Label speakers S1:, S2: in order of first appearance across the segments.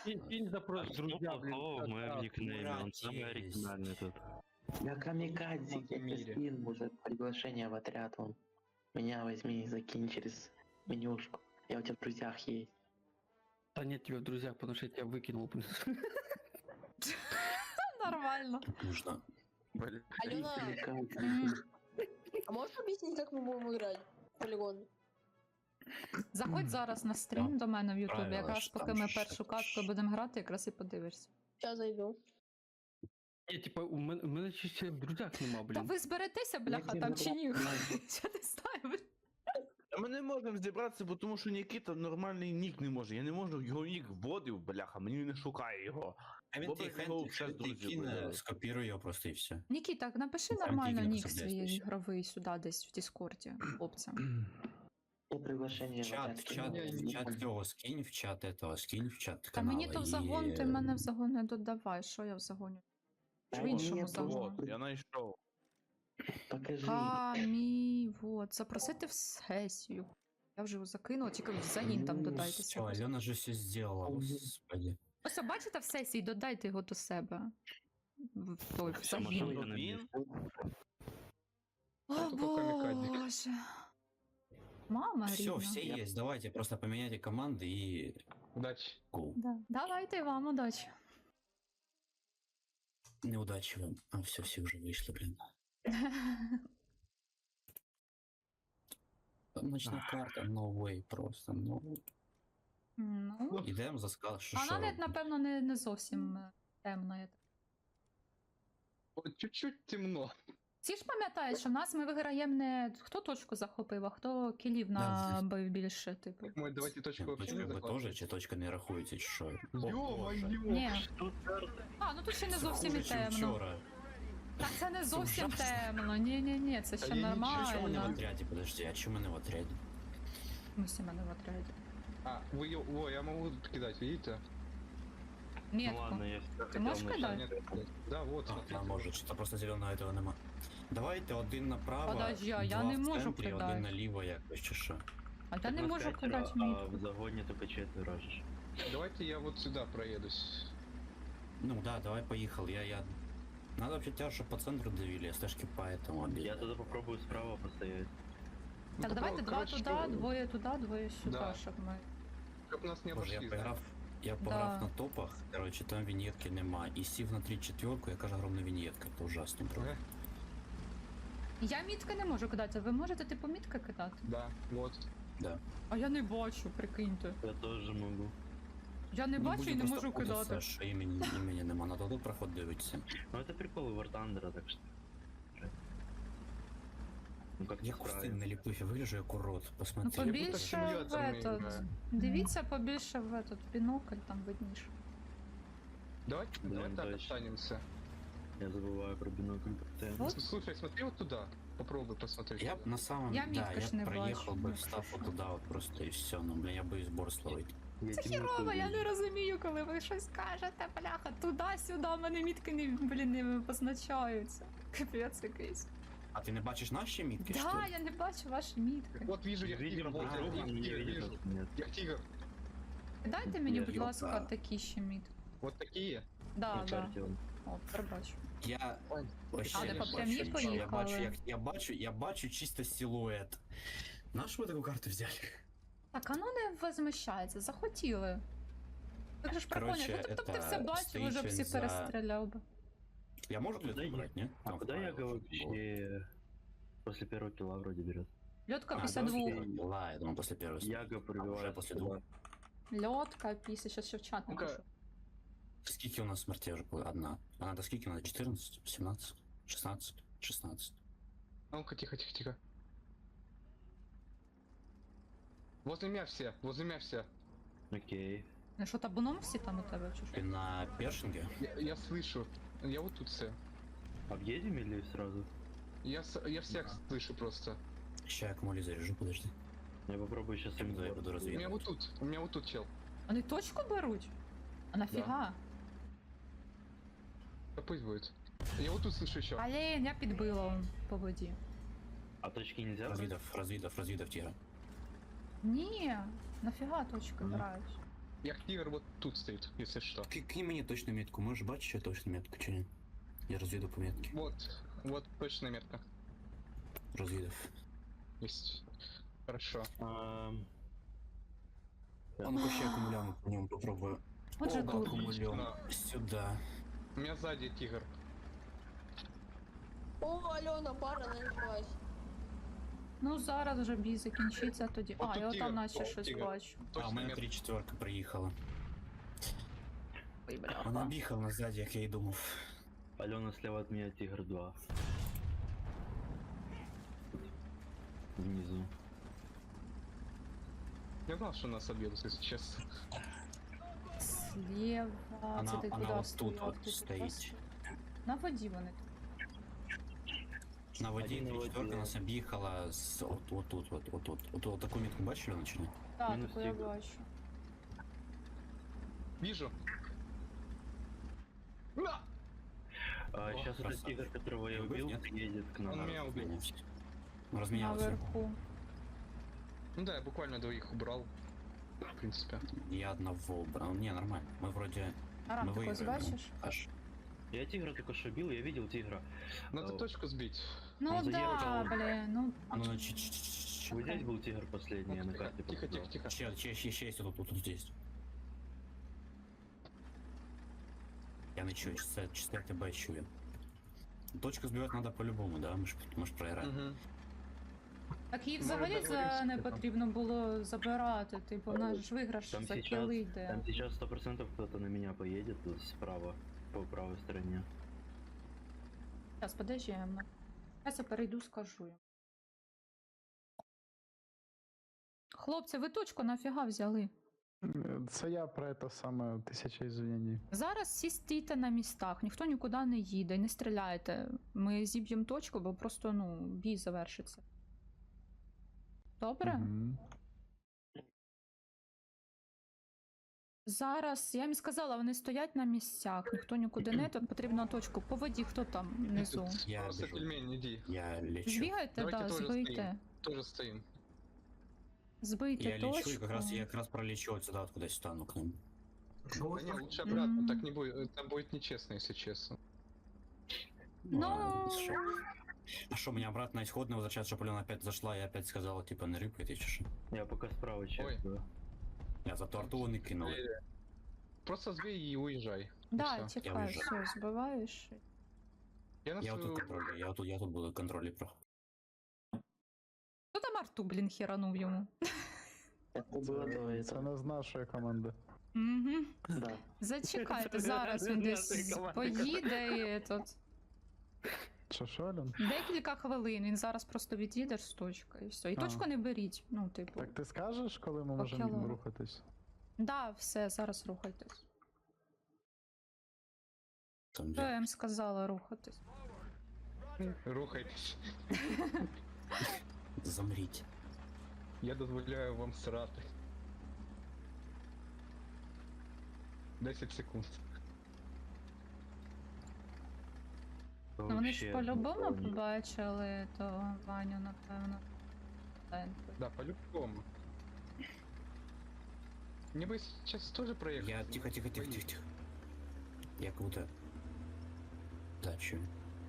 S1: Кинь запрос, друзья, блин.
S2: В моем никнейме, он самый
S3: Молодец.
S2: оригинальный тут.
S4: Я камикадзе,
S1: В мире.
S4: скин, может, приглашение в отряд, он. Меня возьми и закинь через менюшку. Я у тебя в друзьях есть.
S1: Да нет тебя в друзьях, потому что я тебя выкинул.
S5: Нормально.
S3: Нужно.
S1: Блин.
S6: Алена,
S5: М.
S6: а можешь объяснить, как мы будем играть в полигон?
S5: Заходь зараз на стрім до мене в Ютубі,
S3: Правила
S5: якраз
S3: ж
S5: поки
S3: там
S5: ми
S3: ще
S5: першу
S3: ж.
S5: катку будемо грати, якраз і подивишся.
S6: Сейчас зайду.
S1: Ні, типа, у мене ще в друзях нема,
S5: Та
S1: блін.
S5: ви зберетеся, бляха,
S4: Як
S5: там
S4: він
S5: чи ні?
S4: буде?
S5: Я не знаю, блін.
S7: А ми не можемо зібратися, бо тому що Нікіта нормальний нік не може. Я не можу, його нік вводив, бляха, мені не шукає його.
S3: А він
S7: Бобрик його
S3: ти
S7: ще з друзів
S3: кине,
S7: вибрав.
S3: скопіруй його просто і все.
S5: Нікіта, напиши
S3: Там
S5: нормально
S3: тільки
S5: нік
S3: написати
S5: свій
S3: десь.
S5: ігровий сюди десь в Діскорді, хлопцям.
S4: Я приглашение в отряд
S3: В чат цього скинь, в чат этого, скинь в чат
S5: Та
S3: канала.
S5: мені то в загон, ти мене в загон не додавай, що я в загоні? Чи в
S4: Та
S5: іншому
S4: ні,
S5: загоні?
S7: От, я знайшов.
S4: Покажи.
S5: Вот, запросити в сесію. Я вже його закинула, тільки в загін там додайте.
S3: Все,
S5: чогось.
S3: Альона же все сделала, господи.
S5: Ось, бачите в сесії, додайте його до себе. В той в
S2: Все,
S5: загін.
S2: можливо,
S7: Він?
S5: О,
S1: Только камікадзе.
S5: Боже. Мама
S3: Все,
S5: рідна.
S3: все есть, давайте просто поменяйте команды и
S1: Удачи.
S3: go.
S5: Да. Давайте вам удачі.
S3: Неудачи вам. А, все уже вышли, блин. Ночная карта, no way, просто, no.
S5: Ну,
S3: Ідемо за скал, що
S5: вона навіть, напевно, не зовсім темна. я так.
S1: Вот чуть-чуть темно.
S5: Всі ж пам'ятають, що в нас ми виграємо не хто точку захопив, а хто кілів набив більше, типу.
S1: Мой, давайте точку вообще
S3: Точка
S1: не
S3: ви теж, чи точка не рахуєте, чи що?
S1: Ё-моё!
S5: Ні. А, ну тут ще не зовсім і
S3: Хуже, чим
S5: темно.
S3: вчора.
S5: Так це не зовсім
S3: ужасно.
S5: темно. Ні, це ще
S1: я нічого,
S3: А чому не в
S5: нормально.
S3: отряді, подожди, а чому не в отряді?
S5: Ми всі мене в отряді.
S1: А, вы её... О, я могу кидать, видите?
S2: Ну
S5: Метку.
S2: ладно, я всегда
S5: Ти можеш
S2: хотел начать.
S5: кидати?
S1: Нет, да, вот,
S3: А,
S1: смотрите.
S3: може, що просто зеленого этого нема. Давайте один направо,
S5: Подожди, а я
S3: два
S5: не
S3: в
S5: можу
S3: центрі,
S5: кидати.
S3: один наліво якось, чи що.
S5: А я не
S2: Нас
S5: можу
S2: пятеро,
S5: кидати
S2: а
S5: мітку.
S2: в загоне только четверо же.
S1: Давайте я вот сюда проедусь.
S3: Ну да, давай поехал, я... Надо вообще тебя, чтобы по центру давили, стежки поэтому объедем.
S2: Я тогда попробую справа постоять.
S5: Так, давайте два
S1: короче,
S5: туди, двоє туди, двоє сюди,
S1: Да.
S5: щоб ми.
S1: Чтоб нас не
S3: Боже,
S1: обошли.
S3: я пограв на топах, короче, там виньетки нема. І сів на 3-4, яка ж огромна виньетка, це ужасно, бро.
S1: Ага.
S5: Я мітки не можу кидати, ви можете типу мітки кидати?
S1: Да, вот.
S3: Да.
S5: А я не бачу, прикиньте.
S2: Я тоже могу.
S5: Я не бачу і не можу кидати.
S3: Що імені нема, надо тут проход дивитися.
S2: Ну это прикол War Thunder, так что... Ну как
S3: Я кусти не ліпив, я вигляжу як урод,
S5: Ну
S3: посмотри.
S5: побільше в
S1: симулятор не
S5: этот.
S1: играю.
S5: Дивіться побільше в этот бінокль, там видніше.
S1: Давайте,
S2: Блин,
S1: давай так
S2: точно.
S1: останемся.
S2: Я забываю про бинокль постоянно.
S5: Вот.
S1: Слушай, смотри вот туда. Попробуй посмотреть.
S3: Я б на самом
S5: Я
S3: да,
S5: мітки ж
S3: я
S5: не
S3: б проїхав
S5: бачу.
S3: би, встав от туди от просто і все, ну, бля, я боюсь борс ловити.
S5: Це хірово, я не розумію, коли ви щось кажете, бляха, туди-сюди, в мене мітки не позначаються. Капець якийсь.
S3: А ти не бачиш наші мітки, що
S5: Да,
S3: ли?
S5: я не бачу ваші мітки.
S1: Вот вижу я тигра,
S2: Видим
S1: вот
S2: друг
S1: я
S2: друга, не
S1: тигр
S2: видим
S1: вижу.
S2: нас, нет.
S1: Я тигр.
S5: Дайте мені, будь
S3: Йопа.
S5: ласка, такі ще мітки.
S1: Вот такие.
S5: Да,
S2: На
S5: да.
S2: карте он.
S5: О, тепер бачу.
S3: Я вообще
S5: А,
S3: не
S5: ви по
S3: бачу
S5: прямій
S3: нічого.
S5: поїхали?
S3: Я бачу чисто силует. Нашу ви таку карту взяли?
S5: Так, а ну не возмущається, захотіли. Так же ж прикольно,
S3: Короче,
S5: ну тобто ти
S3: это
S5: все бачив,
S3: стоїть
S5: уже всі
S3: він за-
S5: перестріляв би.
S3: Я могу
S2: Куда
S3: клетку
S2: я-
S3: брать, нет?
S2: А
S3: Там
S2: куда я
S3: вправо.
S2: вообще после первого килла вроде берет?
S5: Льотка
S3: А,
S5: після
S3: да,
S5: двох.
S3: Ла, я думал, после первого.
S2: Яга
S3: А,
S2: пробивает.
S3: уже после двух.
S5: Льотка після, щас ще в чат
S1: Ну-ка.
S5: напишу.
S3: Скільки у нас смертей уже было? Одна. А надо скільки надо? 14, 17, 16, 16.
S1: А ну-ка, тихо, тихо, тихо. Возле меня все, возле меня все.
S2: Окей.
S5: Ну що, табуном всі там у тебе чи
S3: Ты
S5: що?
S3: на першинге?
S1: Я слышу. Я вот тут все.
S2: Объедем или сразу?
S1: Я всех слышу просто.
S3: Ща я аккумули заряжу, подожди.
S2: Я попробую сейчас
S3: Я буду
S1: У меня
S3: разведывать.
S1: у меня вот тут чел.
S5: Вони точку беруть? А нафіга?
S1: Да пусть будет. Я вот тут слышу еще.
S5: Блін, я підбила по воді.
S2: А точки нельзя? брать?
S3: Развидов тигра.
S5: Ні, нафіга точки
S2: Ну.
S5: грають.
S8: Як тигр вот тут стоит, если что.
S3: Кинь мені точну метку, можеш бачити, що точну метку чи ні? Я розвіду по метки.
S8: Вот точная метка.
S3: Розвідав.
S8: Есть. Хорошо.
S3: А ну-ка ще акумулянт по ньому попробую.
S5: Отже,
S3: Оба
S5: тут.
S3: акумулянт. Сюда.
S8: У меня сзади тигр.
S6: О, Альона, пара началась.
S5: Ну зараз вже бій закінчиться тоді.
S8: От
S5: А,
S8: тут
S5: я
S8: тігр,
S5: там наче
S8: от
S5: щось
S8: тігр.
S5: бачу.
S3: А у
S8: Точная
S3: мене
S8: метка.
S3: 3/4 приїхала.
S4: Ой, бляха.
S3: Вона бігала назаді, як я і думав.
S2: Алена слева от меня, Тигр 2. Внизу.
S8: Я знал, что нас объедут, если честно.
S5: Слева.
S3: Вона-
S5: Це ти
S3: вона
S5: куди
S3: от тут
S5: стояв?
S3: от
S5: Ти тут
S3: стоїть.
S5: просто- На воді вони.
S3: На воді
S2: Один на
S3: 3/4
S2: воді.
S3: нас об'їхала з отут. От таку мітку бачили чи ні?
S5: Так,
S2: Мінус
S5: таку я
S2: тігр.
S5: бачу.
S8: Вижу. О,
S2: Сейчас этот
S3: красавчик.
S2: Тигр, которого я
S3: Убил,
S2: убил,
S3: нет?
S2: едет к нам.
S8: Он меня убил.
S3: Розмінявся. Розмінявся.
S5: Наверху.
S8: Ну да, я буквально двоих убрал. В принципе.
S3: Я одного убрал. Не, нормально. Мы вроде...
S5: Арам,
S3: мы
S5: ти когось
S3: выиграем.
S5: бачиш?
S3: Аж.
S2: Я Тигра только что бил, я видел Тигра.
S8: Надо
S2: О.
S8: точку сбить.
S5: Ну
S2: Он
S5: да,
S2: заїхав.
S5: блін, ну
S3: А ну, ч-ч-ч-ч-ч.
S2: Вот здесь был Тигр последний, я на
S8: Тихо,
S2: карте
S8: тихо,
S2: показал.
S8: тихо, тихо.
S3: Ще есть тут здесь. Я не чую, чисто тебе чую. Точку збивати надо по-любому, да? Ми ж проіграємо.
S8: Мгм.
S5: так їх
S8: Може,
S5: взагалі
S8: договоримося,
S5: не
S8: типу.
S5: потрібно було забирати. Типу, наш ж виграш
S2: Там
S5: за
S2: сейчас,
S5: кіли йде.
S2: там сейчас 100% кто-то на меня поедет тут справа, по правой стороне.
S5: Зараз, подожди, я перейду, скажу їм. Хлопці, ви точку нафіга взяли?
S9: Це я про це саме тисяча ізвинень.
S5: Зараз всі стійте на містах, ніхто нікуди не їде, не стріляйте. Ми зіб'ємо точку, бо просто, ну, бій завершиться. Добре?
S9: Мгм.
S5: Зараз, я їм сказала, вони стоять на місцях, ніхто нікуди не йде, потрібно точку. По воді, хто там внизу?
S3: Я
S8: Просто
S3: біжу.
S8: пельмень, иди.
S3: Я лечу.
S5: Збігайте,
S8: Давайте
S5: да,
S8: теж
S5: збийте.
S8: стоїмо. Тоже стоим.
S5: Збийте
S3: Я
S5: точку.
S3: лечу, я как раз пролечу вот сюда, откуда стану к ним.
S8: Да не, лучше обратно,
S5: М.
S8: так не будет, это будет нечестно, если честно.
S5: Ну,
S3: шо? А что, мне обратно исходно возвращаться, чтобы Алена опять зашла и опять сказала, типа, не рыпай, ты что?
S2: Я пока справа чекаю.
S3: Я за торту вони кинули.
S8: Просто сбей и уезжай.
S5: да,
S8: всё.
S5: тікай,
S3: виїжджаю.
S5: все, збиваєш.
S8: Я на
S3: Я вот
S8: свою...
S3: тут контролю, я тут буду контролі проходити.
S5: Хто там арту, блін, херанув йому?
S4: Это было до
S9: Це
S4: этого.
S9: не з нашої команди.
S5: Угу.
S4: Да.
S5: Зачекайте, зараз він десь поїде і тут.
S9: Що, Альон?
S5: Декілька хвилин, він зараз просто від'їде з точки і все. І
S9: А.
S5: точку не беріть, ну, типу.
S9: Так ти скажеш, коли ми
S5: Поки
S9: можемо
S5: ладно.
S9: рухатись?
S5: Да, все, зараз рухайтесь.
S3: Там
S5: Що я
S3: де.
S5: їм сказала рухатись?
S8: Рухайтесь.
S3: Замріть.
S8: Я дозволяю вам срати. 10 секунд.
S5: Ну, вони ж
S2: Вообще,
S5: по-любому
S2: никого не-
S5: побачили, то Ваню, напевно.
S8: Да, по-любому. Мне бы сейчас тоже проехать.
S3: Я тихо. Я как будто... Да, чую.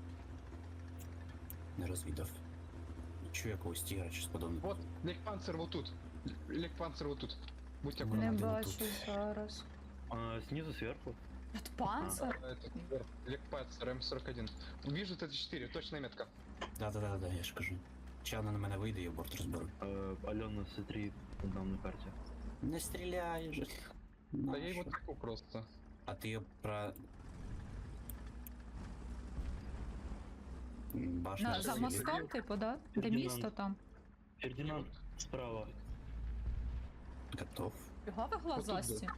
S3: Не розвідав. Чую якогось тігра, щось подобне.
S8: Вот, Легпанцер вот тут. Легпанцер вот тут. Будьте
S3: Ну,
S5: Не
S8: аккуратны.
S3: один
S5: бачу
S3: тут.
S5: зараз.
S2: Снизу сверху.
S5: От панцир?
S8: Легпанцер М41. Вижу Т4, точная метка.
S3: Да, я ж кажу. Чи вона на мене вийде і борт розберу.
S2: Алена, смотри, там на карте.
S3: Не стріляй же.
S8: Да я его таку просто.
S3: А ти про... Башню
S5: За
S3: засвітив?
S5: мостом, типу, да? Де
S2: Фердинанд.
S5: місто там?
S2: Фердинанд справа.
S3: Готов.
S5: Фіга ви глазасті?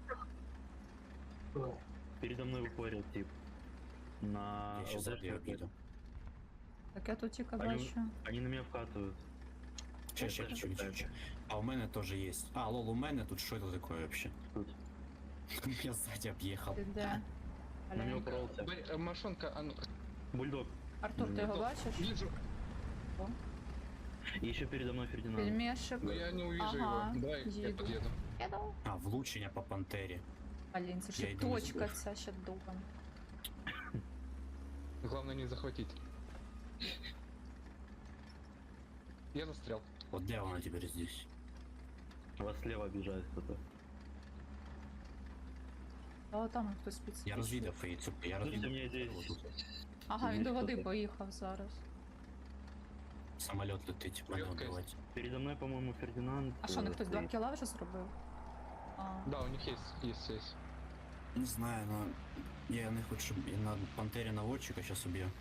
S2: Передо мной выходит тип. На
S3: Я ще ззаді
S2: ЛДшке.
S3: об'їду.
S5: Так я тут тільки
S2: Они-
S5: бачу.
S2: Они на меня вкатывают.
S3: Че. А у мене теж є. А, лол, у мене тут що це таке вообще?
S2: Тут.
S3: Я сзади об'їхав.
S5: Ти де?
S2: На меня
S5: Аленька.
S2: упоролся.
S8: Машонка, а ну...
S2: Бульдог.
S5: Артур, ти його бачиш?
S8: Вижу.
S2: И еще передо мной Фердинанд.
S5: Пельмешик.
S8: Но я не увижу
S5: Ага,
S8: его. Давай, я
S5: еду.
S8: подъеду.
S5: Їду.
S3: А, влучення по пантері.
S5: Блін, це
S3: Я
S5: ще
S3: йду на
S5: точка
S3: збор.
S5: ця ще дубом.
S8: Главное не захватить. Я застрял.
S3: Вот где она теперь здесь?
S2: Вас слева обижает кто-то.
S5: А там хтось
S3: Я
S5: підсвічує.
S3: розвідав її цю, я
S2: Слушайте,
S3: розвідав.
S2: мне здесь...
S3: Вот тут
S5: Ага, він
S2: Є
S5: до води
S2: хто-то.
S5: поїхав зараз.
S3: самоліт летить, мене
S8: Легкая.
S3: вбивати.
S2: Передо мной, по-моему, Фердинанд.
S5: А що, не хтось 2
S2: стоит.
S5: кіла вже зробив? А,
S8: Да, у них есть.
S3: Не знаю, но я не хочу, я на пантері наводчика сейчас убью.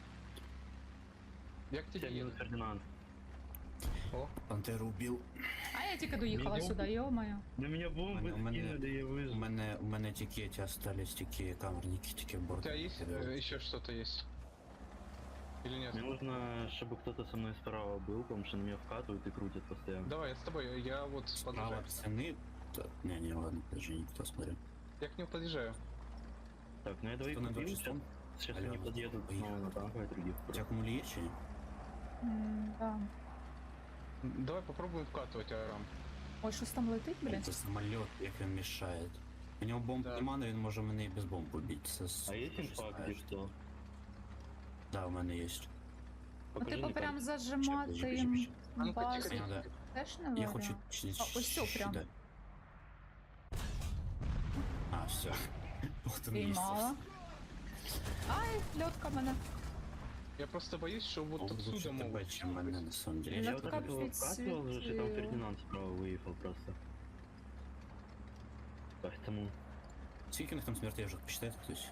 S8: Я к тебе
S2: Всем
S8: еду.
S2: минус Фердинанд.
S8: О,
S3: Пантеру убив.
S5: а я тільки доїхала
S8: Мінімум.
S5: сюди, йо-моє.
S2: На меня бомбы
S3: У мене-
S2: скинули, я выжил.
S3: У мене тільки ті остались, тільки камерники, тільки
S8: у
S3: борт.
S8: тебя есть еще что-то есть? Или нет?
S2: Мне нужно, чтобы кто-то со мной справа был, потому что на меня вкатывают и крутят постоянно.
S8: Давай, я с тобой, я вот
S3: Справа
S8: подъезжаю.
S3: ціни. Не, ладно, даже не кто смотрю.
S8: Я к нему подъезжаю.
S2: Так, ну я двоих
S3: Кто на
S2: убил,
S3: 26-м?
S2: сейчас
S3: Алло,
S2: они подъедут
S3: поехали.
S2: снова на танковой других.
S3: У тебя аккумулі є чи ні?
S5: Да.
S8: Давай попробуем вкатывать Арам.
S5: Ой, щось там летить, блін?
S3: Це самоліт, як він мішає. У нього бомб
S8: Да.
S3: нема, але він може мене і без бомб убити. Це
S2: А есть инфа, где что?
S3: Да, у мене є.
S5: Ну,
S2: Покажи
S5: типу,
S2: мне
S5: прям
S2: карту.
S5: зажимати
S3: Чекай,
S5: їм
S3: чекай,
S8: А ну-ка,
S5: базу
S8: тихо,
S3: Надо.
S5: теж не
S3: Я
S5: варіант.
S3: хочу...
S5: А, ось цю прям.
S3: Да. А, все. Вот он есть.
S5: Піймала. Ай, льотка мене.
S8: Я просто боюсь, что вот
S3: Лучше
S8: отсюда
S3: тебе,
S8: могут.
S3: чем мене, на самом деле.
S2: Я
S3: Я
S2: вот
S5: Лёдка
S3: так
S2: этого
S3: люблю.
S2: вкатывал уже, что там
S5: подсветила.
S2: Фердинанд справа выехал просто. Поэтому...
S3: Скільки у них там смертей вже посчитает хтось?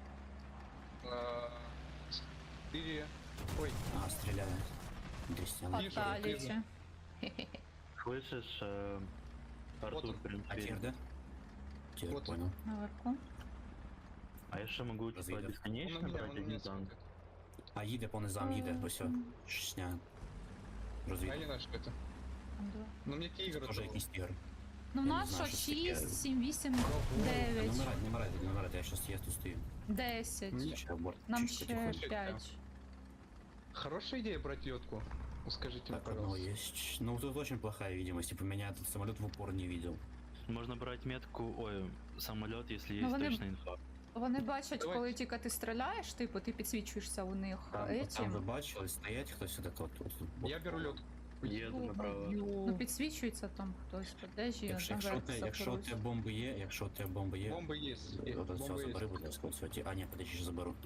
S8: 4... Ой,
S3: А, стреляют. 200, она.
S8: Вижу,
S5: Фаталіті.
S2: Слышишь, Артур,
S8: он.
S2: в принципе,
S3: А тир, да? Тир,
S8: Вот он.
S3: понял.
S5: Наверху.
S2: А я ще могу типа
S3: Разведет.
S8: он
S2: бесконечно
S8: на меня,
S2: брать
S8: он на
S2: один
S8: меня
S2: танк.
S8: смотрит.
S3: А їде по низам, їде, ось о. Шня.
S8: А я не
S3: Розвідка.
S8: знаю, что это.
S5: Там два.
S8: Но мне тигр
S3: Тоже
S8: дал.
S3: якийсь тигр.
S5: Ну, в
S3: Я не
S5: нас
S3: знаю,
S5: що,
S3: що це таке.
S5: 6, 7, 8,
S3: Та
S5: 9,
S3: не мирайте, я щас я тут стою.
S5: 10.
S8: Ні.
S3: Ще борт.
S5: Нам
S3: чуть
S5: ще
S3: потихоньку.
S5: 5.
S8: Хорошая идея брать ледку. Скажите мне,
S3: Так, одного
S8: пожалуйста.
S3: есть. Ну, тут очень плохая видимость. Типа, меня этот самолет в упор не видел.
S2: Можно брать метку, ой, самолет, если
S5: Ну,
S2: есть
S5: вони-
S2: точная инфа.
S5: Вони бачать,
S8: Давай.
S5: коли тільки ти стріляєш, типу, ти підсвічуєшся у них
S3: Там ви
S5: етім.
S3: бачили, стоять хтось от тут.
S8: Я беру лед.
S2: Еду направо.
S5: Ну, підсвічується там хтось, подежі,
S3: Якщо у тебе бомби є, якщо у тебе бомби є,
S8: Бомбы есть.
S3: от
S8: Бомбы
S3: цього
S8: есть.
S3: забери, будь ласка, от цього. А, ні, подожди, ще заберу.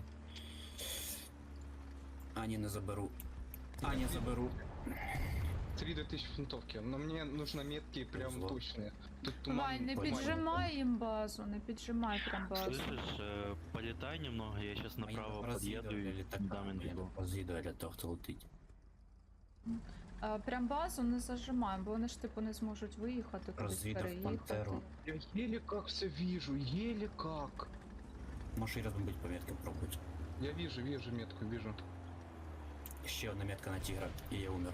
S3: А, ні, не заберу. А, не заберу.
S8: 3 до 1000 фунтовки. Но мне нужно метки прям
S3: Зло.
S8: точные. Тут туман.
S5: Вань, не
S3: Понимаю.
S5: піджимай їм базу, не піджимай прям базу.
S2: Слышишь, полетай немного, я сейчас направо подъеду и дам инфу.
S3: Розвідує для того, хто летить.
S5: Прям базу не зажимаємо, бо вони ж типу не зможуть виїхати, кудись
S3: Розвідав
S5: переїхати.
S3: Пантеру.
S8: Я еле как все вижу, еле как.
S3: Можеш і рядом бути по метки пробувати.
S8: Я вижу метку, вижу.
S3: Ще одна метка на тигра, і я умер.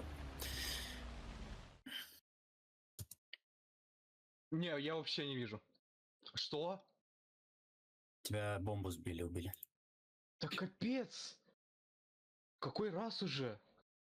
S8: Не, я вообще не вижу. Что?
S3: Тебя бомбу сбили, убили.
S8: Да капец! Какой раз уже?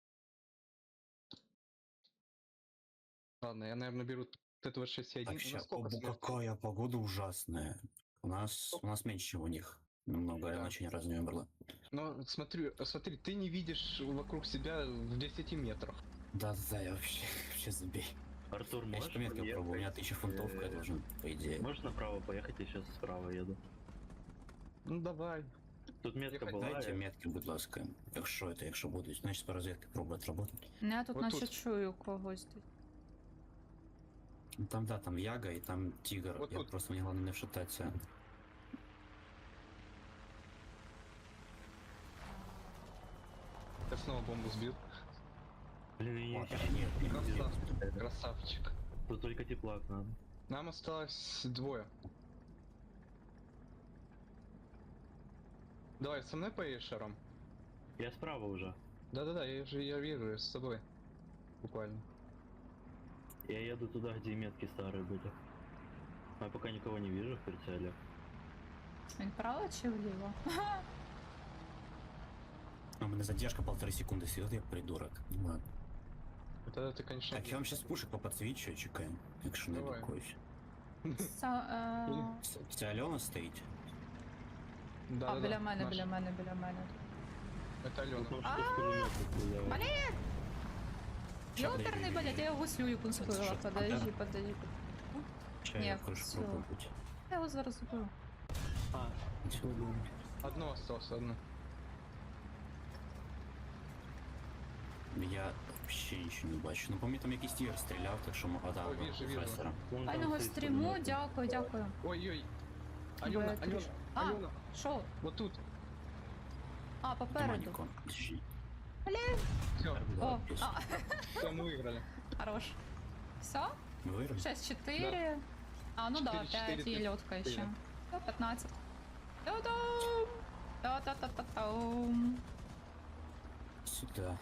S8: Ладно, я, наверное, беру Т-26-1.
S3: Так, сейчас, какая погода ужасная. У нас меньше, чем у них. Намного,
S8: Да.
S3: она очень раз не умерла.
S8: Но смотри, ты не видишь вокруг себя в 10 метрах.
S3: Да, я вообще забей.
S2: Артур,
S3: Я
S2: можешь
S3: еще по меткам
S2: подъехать,
S3: пробую, у меня 1000 фунтов, я должен, по идее.
S2: Можешь направо поехать, я сейчас справа еду.
S8: Ну давай.
S2: Тут метка
S8: Ехать,
S2: была.
S3: Дайте
S2: я-
S3: метки, будь ласка. Якщо будуть, значить по розвідки пробувати работать.
S5: Ну, я тут
S8: От
S5: наче
S8: тут.
S5: чую когось десь.
S3: Ну, там, да, там Яга и там Тигр.
S8: Вот
S3: Я
S8: тут.
S3: просто мне главное не вшататься.
S8: Я снова бомбу сбил.
S2: Блин, я
S3: Вот,
S2: не-
S3: нет,
S8: Красавчик. Красавчик.
S2: Тут только теплак надо.
S8: Нам осталось 2. Давай, со мной поедешь, Арам?
S2: Я справа уже.
S8: Да-да-да, я вижу, я с тобой. Буквально.
S2: Я еду туда, где метки старые были. А я пока никого не вижу в прицеле.
S5: Він вправо чи вліво?
S3: У меня задержка 1,5 секунды сидит, я придурок. Ну ладно.
S8: Тогда ты, конечно...
S3: Так, я вам сейчас пушек по подсвечу, чекаем. Якщо не
S8: Давай.
S3: блокуюсь. Це Альона стоїть?
S8: Да,
S5: А,
S8: да,
S5: біля
S8: да,
S5: мене,
S8: наш.
S5: біля мене, біля мене.
S8: Это Алена.
S2: Потому что с пулемета стреляют.
S5: Ёперный, блядь, я його гуслю пунктила.
S3: що,
S5: Подожди,
S3: антенна?
S5: подожди.
S3: Чи
S5: Ні,
S3: я крышу
S5: всё.
S3: пробувати?
S5: Я його зараз убив.
S2: А,
S8: Одно осталось, одно.
S3: Я вообще нічого не бачу. Ну, по мені там якийсь тігр стріляв, так що мога
S8: Ой, вижу, вижу.
S3: професора.
S2: вон там
S5: Файного
S2: стоит
S5: стріму,
S2: пулемет.
S5: дякую, дякую.
S8: Ой-ой. Алена,
S5: Бля,
S8: Алена,
S5: триш- А,
S8: Алена.
S5: що?
S8: Вот тут.
S5: А,
S3: Нема
S5: попереду.
S3: нікого.
S8: Все,
S5: О, а,
S8: все, мы выиграли.
S5: хорош. Все?
S3: Ми виграли?
S5: 6-4. А, ну да,
S8: 4-4,
S5: 5 и лёдка еще.
S8: 4.
S5: Всё, 15. Та-дам! Та-та-та-та-там.
S3: Сюди.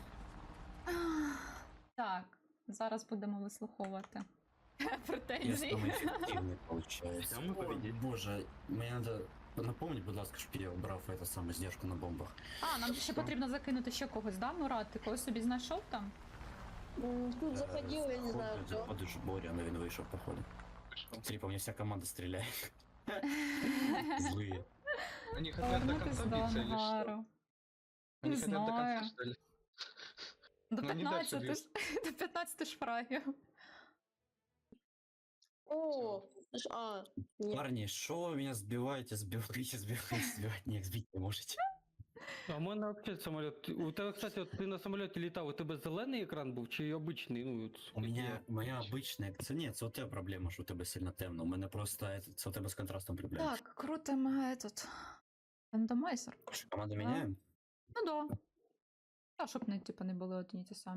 S5: Так, зараз будемо вислуховувати
S3: Я
S5: претензії.
S3: самый эффективный получается.
S2: Всё, мы победили.
S3: Боже, мне надо напомнить, будь ласка, щоб я обрав эту саму здержку на бомбах.
S5: А, нам ще потрібно закинути ще когось, да, Мурат? Ти когось собі знайшов там?
S6: Тут заходил, я не знаю кто.
S3: Заходиш в Боря, но він вийшов, походу. Смотри, по мне вся команда стреляет. Злые.
S8: Они хотят до
S5: Повернутись
S8: конца
S5: до
S8: биться или что?
S5: ангару.
S8: Они
S5: Не
S8: хотят до
S5: знаю.
S8: конца, что ли?
S5: До
S8: Ну, не дальше
S5: 15 ж- до 15 шфрагів.
S6: О, нет.
S3: Парни, что вы меня сбиваете, сбивать не сбить не можете.
S1: А в мене взагалі самоліт. У тебе, кстати, от ти на самоліті літав, у тебе зелений екран був чи обичний? Ну, от,
S3: У моя обычная... Це ні, це у тебе проблема, що у тебе сильно темно. У мене просто це у тебе з контрастом проблема.
S5: Так, крутимо этот рандомайзер.
S3: Команду міняємо?
S5: Ну да. Та, щоб не, типу, не були одні ті самі.